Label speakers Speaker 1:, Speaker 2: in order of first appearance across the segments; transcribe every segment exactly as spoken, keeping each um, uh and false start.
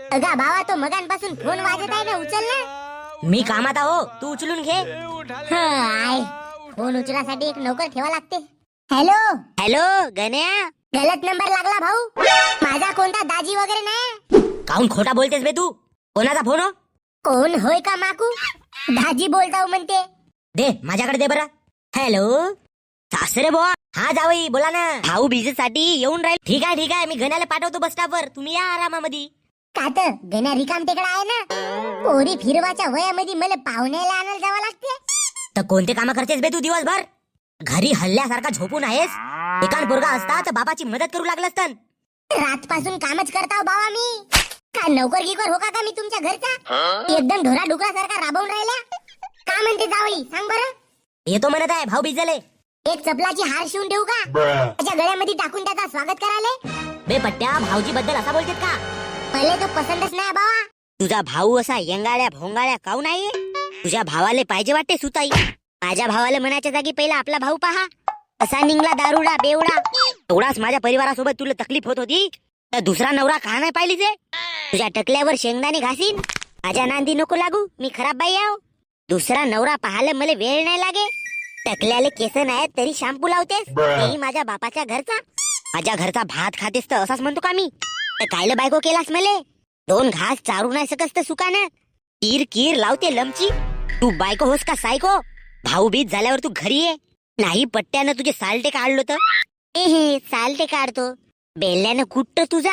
Speaker 1: अगा भावा, तो मगांपासून फोन वाजत आहे ना, उचल ना.
Speaker 2: मी कामात आहो, तू उचलून घे.
Speaker 1: हाय, फोन उचलासाठी एक नोकर ठेवा लागते. Hello
Speaker 2: hello Ganya.
Speaker 1: गलत नंबर लागला भाऊ. माझा कोणता दाजी वगैरे नाही.
Speaker 2: काऊन खोटा बोलतेस बे तू? कोणाचा फोन हो?
Speaker 1: कोण होय का माकू? दाजी बोलताव म्हणते.
Speaker 2: दे माझ्याकडे दे बरं. हॅलो सासरे बुवा. हा जावई बोला ना. भाऊ साठी येऊन राहील. ठीक आहे ठीक आहे, मी गण्याला पाठवतो बस स्टॉपवर. तुम्ही या आरामामध्ये.
Speaker 1: कात गण्या रिकाम तिकडे आहे ना. पोरी फिरवाच्या वयामध्ये मला पाहुण्याला आणायला जावं लागते.
Speaker 2: तर कोणते काम करतेस बे तू दिवसभर? घरी हल्ल्यासारखा झोपून आहेस. एकान पोरगा असता तर बापाची मदत करू लागलं असतं.
Speaker 1: रातपासून कामच करताव बाबा मी. का नोकर गिकर हो का का मी तुमच्या घरचा? एकदम ढोरा डुकरासारखा राबवून राहिला. का म्हणते जावई सांग बरं.
Speaker 2: येतो म्हणत आहे भाऊ बिजले.
Speaker 1: एक चपलाची हार शिवून ठेवू का? त्याच्या गळ्यामध्ये टाकून त्याचा स्वागत करायला.
Speaker 2: बे पट्ट्या, भाऊजी बद्दल असा बोलतेत का?
Speaker 1: पहिले तो पसंतच नाही बाबा.
Speaker 2: तुझा भाऊ असा यंगाळ्या भोंगाळ्या काऊन आहे? तुझ्या भावाले पाहिजे वाटते सुताई. माझ्या भावाला मनाच्या जागी पहिला आपला भाऊ पहा. असा निघला दारुडा बेवडा. एवढाच माझ्या परिवारासोबत तुला तकलीफ होत होती तर दुसरा नवरा का नाही पाहिलीच? तुझ्या टकल्यावर शेंगदाणे घासीन. माझ्या नांदी नको लागू, मी खराब बाई आहो. दुसरा नवरा पाहायला मला वेळ नाही लागे. टकल्याले केस नाहीत तरी शॅम्पू लावतेस. तेही माझ्या बापाच्या घरचा. माझ्या घरचा भात खातेस तर असाच म्हणतो का मी? तर कायले बायको केलास मले? दोन घास चारू नाही सकस तर सुकानं कीर कीर लावते लमची. तू बायको होस का सायको? भाऊ बीज झाल्यावर तू घरी ये. नाही पट्ट्यानं तुझे सालटे काढलो तर ए हे सालटे काढतो. बेल्ल्यानं कुट्ट तुझा.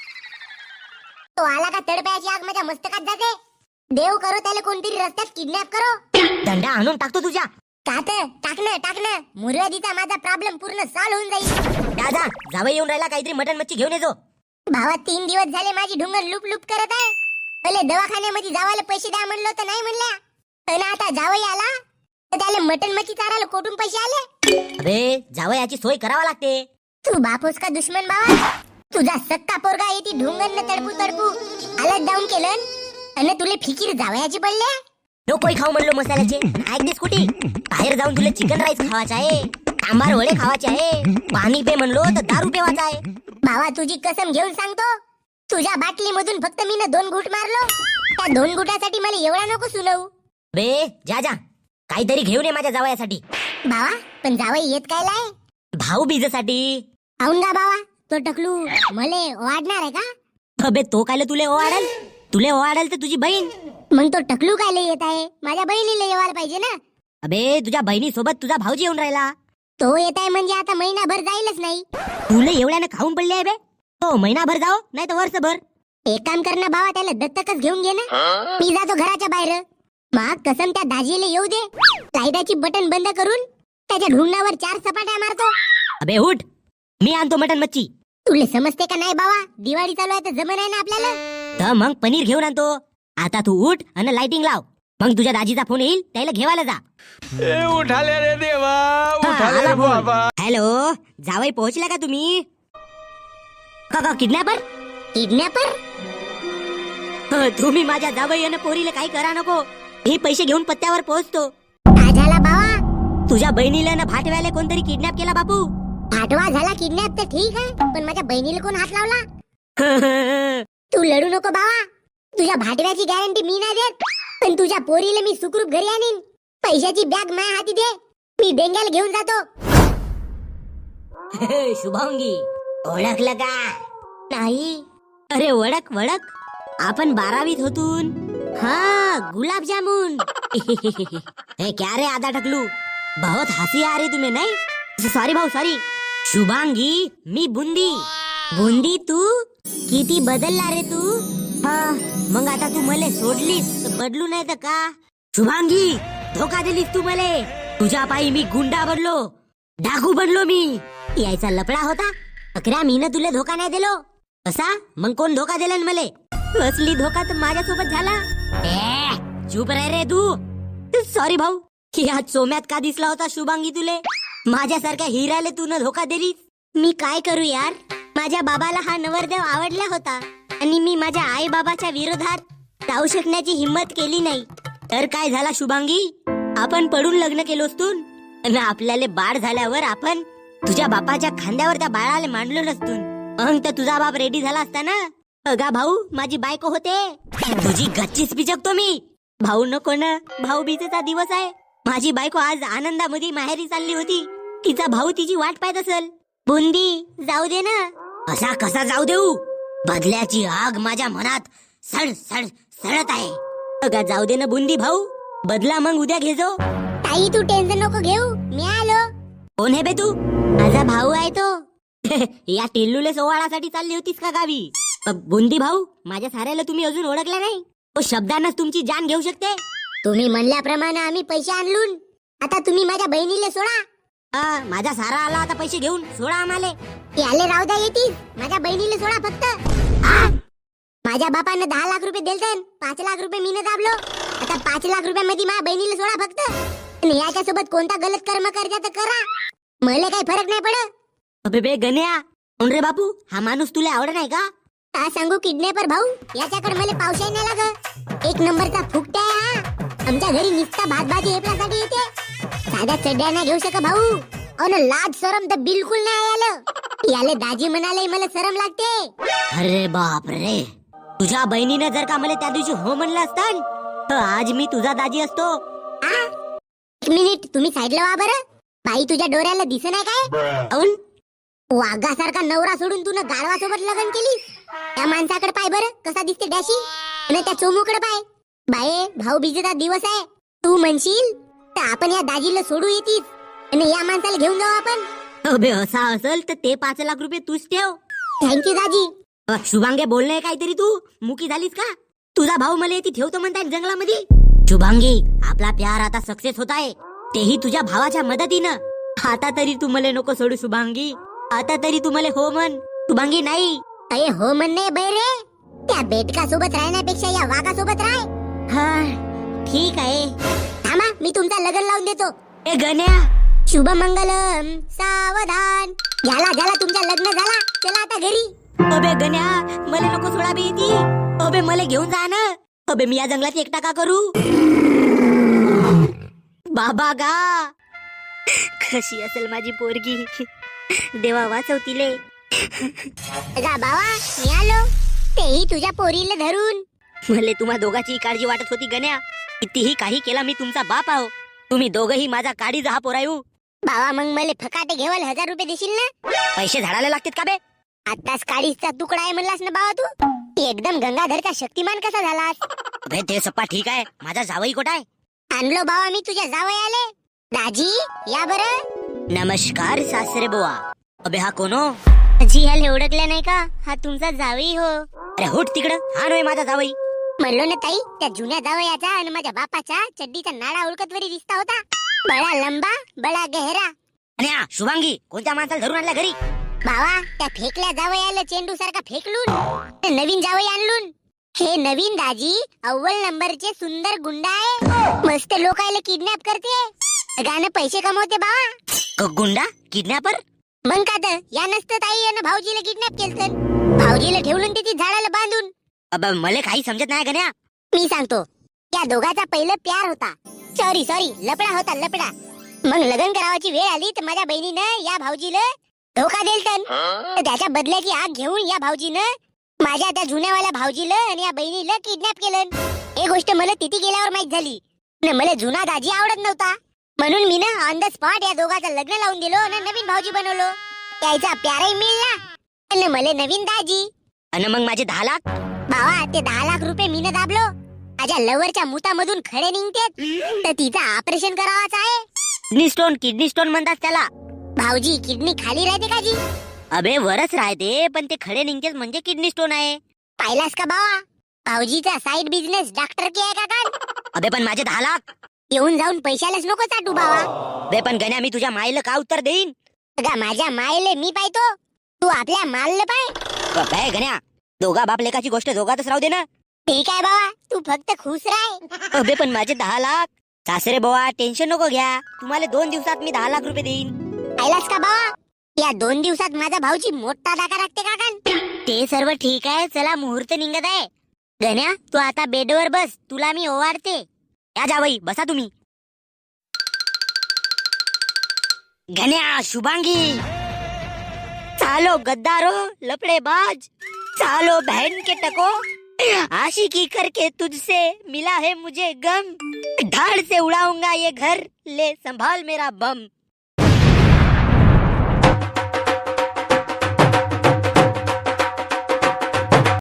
Speaker 1: तो आला का तडप्याची आग माझ्या मस्तकात जाते. देव करो त्याला कोणतरी रस्त्यात किडनॅप करो.
Speaker 2: दंडा आणून टाकतो तुझ्या.
Speaker 1: कात टाकणं टाकणं मुर्यादीचा माझा प्रॉब्लेम पूर्ण सॉल्व होऊन जाईल.
Speaker 2: दादा जावई येऊन राहिला, काहीतरी मटन मच्छी घेऊन येतो.
Speaker 1: भावा, तीन दिवस झाले माझी ढुंगर लुप लुप करत आहे. पहिले दवाखान्यामध्ये जावायला पैसे द्या म्हणलं तर नाही म्हणल्या. पण आता जावई आला तर त्याला मटन मच्छी चारायला कोठून पैसे आले?
Speaker 2: अबे जावयाची सोय करावा लागते.
Speaker 1: तू बापूस का दुश्मन बाबा? तुझा सक्का पोरगा येते ढुंगरनं तडपू तडपू आलत डाऊन केलं आणि तुले फिकीर जावयाची पडले.
Speaker 2: नकोय खाऊ म्हणलो मसाल्याचे. ऐकतेस कुठे? बाहेर जाऊन तुला चिकन राईस खावायचा आहे, सांबार वडे खावायचे आहे, पाणी पे म्हणलो तर दारू पेवायचा आहे.
Speaker 1: भावा, तुझी कसम घेऊन सांगतो, तुझ्या बाटली मधून फक्त मी दोन घुट मारलो. त्या दोन घुटासाठी मला एवढा नको सुनवू.
Speaker 2: बे जा जा, काहीतरी घेऊन ये माझ्या जावयासाठी.
Speaker 1: भावा, पण जावई येत काय लाय?
Speaker 2: भाऊ बीजेसाठी.
Speaker 1: आऊन गा भावा, तो टकलू मले वाढणार आहे का?
Speaker 2: अबे तो कायले तुले ओवाडल? तुले ओवाडल तर तुझी बहीण.
Speaker 1: मग तो टकलू काय येत आहे? माझ्या बहिणीला येवायला पाहिजे ना.
Speaker 2: अबे तुझ्या बहिणी सोबत तुझा भाऊजी येऊन राहिला.
Speaker 1: तो येत आहे म्हणजे आता महिनाभर जाईलच नाही.
Speaker 2: तुले एवढ्यानं खाऊन पडले आहे बे. तो महिनाभर जाओ नाही तर वर्षभर.
Speaker 1: एक काम कर ना भावा, त्याला दत्तकच घेऊन घे ना. मी जातो घराच्या बाहेर. मग कसम त्या दाजीला येऊ दे. लाईटाची बटन बंद करून त्याच्या ढुंगणावर चार सपाट्या मारतो.
Speaker 2: अबे उठ, मी आणतो मटन मच्छी.
Speaker 1: तुले समजते का नाही बाबा? दिवाळी चालू आहे तर जमन आहे ना आपल्याला.
Speaker 2: तर मग पनीर घेऊन आणतो. आता तू उठ आणि लाइटिंग लाव. मग तुझ्या दाजीचा फोन येईल, त्याला घेवायला जा.
Speaker 3: ए उठाले रे देवा, उठाले रे बाबा.
Speaker 2: हॅलो जावई, पोहोचला का तुम्ही? का का किडनॅपर?
Speaker 1: किडनॅपर?
Speaker 2: तुम्ही माझ्या जावई आणि पोरीला काही करा नको. हे पैसे घेऊन पत्त्यावर पोहोचतो.
Speaker 1: काय झाला बाबा?
Speaker 2: तुझ्या बहिणीला ना भाटव्याला कोणतरी किडनॅप केला बापू.
Speaker 1: फाटवा झाला किडनॅप तर ठीक आहे, पण माझ्या बहिणीला कोण हात लावला? तू लढू नको बाबा. तुझ्या भाटव्याची गॅरंटी मी नाही देत, पण तुझ्या पोरीला मी सुखरूप घरी आणीन. पैशाची बॅग माझ्या हाती दे, मी डेंग्याला घेऊन जातो.
Speaker 2: शुभांगी ओळखलं का? नाही. अरे ओळख ओळख, आपण बारावीत होतून. हा गुलाबजामुन. हे क्या रे आधा टकलू, बहुत हसी आ रही तुम्हें नहीं? सॉरी भाऊ सॉरी. शुभांगी मी बुंदी. बुंदी तू किती बदलला रे तू. हा मग आता तू मले सोडलीस तर बदलू नाही तर का? शुभांगी धोका दिलीस तू मले. तुझ्या पायी मी गुंडा बनलो, डाकू बनलो मी. यायचा लपडा होता. अकरा मीनं तुला धोका नाही दिलो. असा मग कोण धोका दिला मले? असली धोका तर माझ्यासोबत झाला. ए चुप रे रे तू. सॉरी भाऊ, की आज सोम्यात का दिसला होता शुभांगी तुले? माझ्यासारख्या हिराले तू न धोका दिलीस. मी काय करू यार, माझ्या बाबाला हा नवरदेव आवडला होता आणि मी माझ्या आई बाबाच्या विरोधात जाऊ शकण्याची हिम्मत केली नाही. तर काय झाला शुभांगी, आपण पडून लग्न केलोस तू आणि आपल्याला बाळ झाल्यावर आपण तुझ्या बापाच्या खांद्यावर त्या बाळाला मांडलो नसतून. मग तर तुझा बाप रेडी झाला असता ना. अगा भाऊ माझी बायको होते. तुझी गच्चीच पिचकतो मी. भाऊ नको ना, भाऊ बीजेचा दिवस आहे. माझी बायको आज आनंदामध्ये माहेरी चालली होती. तिचा भाऊ तिची वाट पाहत असेल. बुंदी जाऊ दे ना. असा कसा जाऊ देऊ? बदल्याची आग माझ्या मनात सड सड सडत आहे. अगा जाऊ दे ना बुंदी भाऊ, बदला मग उद्या घे जो.
Speaker 1: ताई तू टेन्शन नको घेऊ, मी आलो.
Speaker 2: कोण आहे बे तू? माझा भाऊ आहे तो. या टिल्लूले सोवाळासाठी चालली होतीस का गावी? अ, बुंदी भाऊ, माझ्या साऱ्याला तुम्ही अजून ओळखला नाही. तो शब्दांनाच तुमची जान घेऊ शकते.
Speaker 1: तुम्ही म्हणल्याप्रमाणे आम्ही पैसे आणलून. आता तुम्ही माझ्या बहिणीला सोडा.
Speaker 2: हा, माझा सारा आला आता पैसे घेऊन सोडा आम्हाले.
Speaker 1: याले राहू द्या येतील. माझ्या बहिणीला सोडा फक्त. आ? माझ्या बापानं दहा लाख रुपये दिलते, पाच लाख रुपये मीनं दाबलो. आता पाच लाख रुपयामध्ये माझ्या बहिणीला सोडा फक्त. आणि याच्या सोबत कोणता गलत कर्म करता तर करा, मला काही फरक नाही पडत.
Speaker 2: अबे बे गण्या, कोण रे बापू? हा माणूस तुला आवड नाही का?
Speaker 1: का सांगू किडनॅपर भाऊ, याच्याकडे मला पावसाही नाही लाग. एक नंबरचा फुकटा आहे हा. आमच्या घरी निस्ता भात भाजी हेपल्यासाठी येते. साध्या चड्ड्या नाही घेऊ शक भाऊ. अन लाज शरम तर बिलकुल नाही आलं. याले दाजी म्हणाले मला शरम लागते.
Speaker 2: अरे बाप रे, तुझ्या बहिणीनं जर का मला त्या दिवशी हो म्हणलं असतं तर आज मी तुझा दाजी असतो.
Speaker 1: आ? एक मिनिट तुम्ही साईडला व्हा बरं. बाई तुझ्या डोळ्याला दिसत नाही काय?
Speaker 2: औन
Speaker 1: वाघासारखा नवरा सोडून तू गाढवा सोबत लग्न केली. त्या माणसाकडे पाय बरं कसा दिसते डॅशी. आणि त्या चोमूकडे पाय. बाये भाऊ बीजेचा दिवस आहे. तू म्हणशील तर आपण या दाजीला सोडू येतीस आणि या माणसाला घेऊन जाऊ आपण.
Speaker 2: अबे असा असेल तर ते पाच लाख रुपये तूच ठेव.
Speaker 1: थँक्यू दाजी.
Speaker 2: अ, शुभांगे बोलणे काहीतरी तू मुकी झालीस का? तुझा भाऊ मला येथे ठेवतो म्हणताय जंगलामध्ये. शुभांगी, आपला प्यार आता सक्सेस होत आहे, तेही तुझ्या भावाच्या मदतीनं. आता तरी तू मला नको सोडू शुभांगी. आता तरी तू मला हो म्हण. शुभांगी नाही.
Speaker 1: अरे हो म्हणणे बैरे. त्या बेटका सोबत राहण्यापेक्षा या वाघा सोबत राह.
Speaker 2: हा ठीक आहे.
Speaker 1: थांबा मी तुमचा लग्न लावून देतो.
Speaker 2: ए गण्या,
Speaker 1: शुभ मंगलम सावधान. झाला झाला तुमचा लग्न झाला. चला आता घरी.
Speaker 2: अबे गण्या, मला नको सोडा बे ती. अबे मला घेऊन जा ना. अबे मी या जंगलात एकटा का करू? बाबा गा, कशी असेल माझी पोरगी. देवा वाचवतीले.
Speaker 1: गा बाबा मी आलो. तेही तुझ्या पोरीला धरून.
Speaker 2: मला तुम्हा दोघांची काळजी वाटत होती गण्या. कितीही काही केला मी तुमचा बाप आहो. तुम्ही दोघही माझा काळी जहा पोरायू.
Speaker 1: बाबा मग मला फकाटे घेवाल हजार रुपये देशील ना?
Speaker 2: पैसे झाडाला लागतात का बे?
Speaker 1: आताच काळीचा तुकडा आहे म्हणलास ना बाबा तू. एकदम गंगाधरचा शक्तिमान कसा झालास?
Speaker 2: अबे ते सप्पा ठीक आहे. माझा जावई कुठं आहे?
Speaker 1: आणलो बाबा मी तुझ्या जावई आले. दाजी या बरं.
Speaker 2: नमस्कार सासरे बुवा. अबे हा कोण हो?
Speaker 1: जी ह्याला ओळखलं नाही का? हा तुमचा जावई हो.
Speaker 2: अरे होट तिकडं. हा नव्हे माझा जावई.
Speaker 1: म्हणलो ना ताई, त्या जुन्या जावयाचा आणि माझ्या बापाच्या चड्डीचा नाडा ओळखत वरी दिसता होता. बडा लंबा बडा गहरा.
Speaker 2: आणि हा शुभांगी कोणत्या माणसाला धरून आणल्या घरी?
Speaker 1: बाबा त्या फेकल्या जावयाला चेंडू सारखा फेकलून नवीन जावई आणलून. हे नवीन दाजी अव्वल नंबरचे सुंदर गुंडा आहे. मस्त लोकायला किडनॅप करते, गाणं पैसे कमवते बाबा.
Speaker 2: क- गुंडा किडनॅपर?
Speaker 1: मग का तर या नसतं ताई यानं भाऊजीला किडनॅप केलं. भाऊजीला ठेवून तिथे झाडाला बांधून.
Speaker 2: अब मला काही समजत नाही गण्या.
Speaker 1: मी सांगतो, या दोघाचा पहिलं प्यार होता. सॉरी सॉरी लपडा होता लपडा. मग लग्न करावाची वेळ आली तर माझ्या बहिणीनं या भाऊजीला धोका दिलतन. तर त्याच्या बदल्याची आग घेऊन या भाऊजीनं माझ्या त्या जुन्यावाल्या भाऊजीला आणि या बहिणीला किडनॅप केलं. हे गोष्ट मला तिथे गेल्यावर माहित झाली. न मला जुना दाजी आवडत नव्हता, म्हणून मी ना ऑन द स्पॉट या दोघाचं लग्न लावून दिलो आणि नवीन भाऊजी बनवलो. त्याचा प्यारही मिळला आणि मला नवीन दाजी.
Speaker 2: आणि मग माझे दहा लाख?
Speaker 1: बाबा ते दहा लाख रुपये मीनं दाबलो. माझ्या लवरच्या मुतामधून खडे निघतेत, तर तिचं ऑपरेशन करावाच आहे.
Speaker 2: Kidney stone. किडनी स्टोन म्हणतात त्याला.
Speaker 1: भाऊजी किडनी खाली राहते का जी?
Speaker 2: अबे वरच राहते, पण ते खडे निघतेच म्हणजे किडनी स्टोन आहे.
Speaker 1: पाहिलास का बाबा? भाऊजीचा साइड बिझनेस डॉक्टर की आहे का काय?
Speaker 2: अबे पण माझे दहा लाख
Speaker 1: येऊन जाऊन पैशालाच नको चाटू बाबा.
Speaker 2: बे पण गण्या, मी तुझ्या माईला का उत्तर देईन?
Speaker 1: अगा माझ्या मायले मी पाहतो, तू आपल्या मालले पाय.
Speaker 2: काय गण्या, दोघा बाप लेकाची गोष्ट दोघातच राहू दे ना.
Speaker 1: ठीक आहे बाबा, तू फक्त खुश राह.
Speaker 2: अबे पण माझे दहा लाख. सासरे बुवा टेन्शन नको घ्या, तुम्हाला दोन दिवसात मी दहा लाख रुपये देईन.
Speaker 1: पाहिलास का बाबा? या दोन दिवसात माझा भाऊजी मोठा दाखा राखते का काय?
Speaker 2: ते सर्व ठीक आहे. चला मुहूर्त निघत आहे. गण्या तू आता बेडवर बस, तुला मी ओवाळते. या जावई बसा तुम्ही. गण्या, शुभांगी, चालो गद्दारो लपडेबाज, सालो बहन के टको, आशिकी करके तुझसे मिला है मुझे गम, धाड़ से उड़ाऊंगा ये घर, ले संभाल मेरा बम।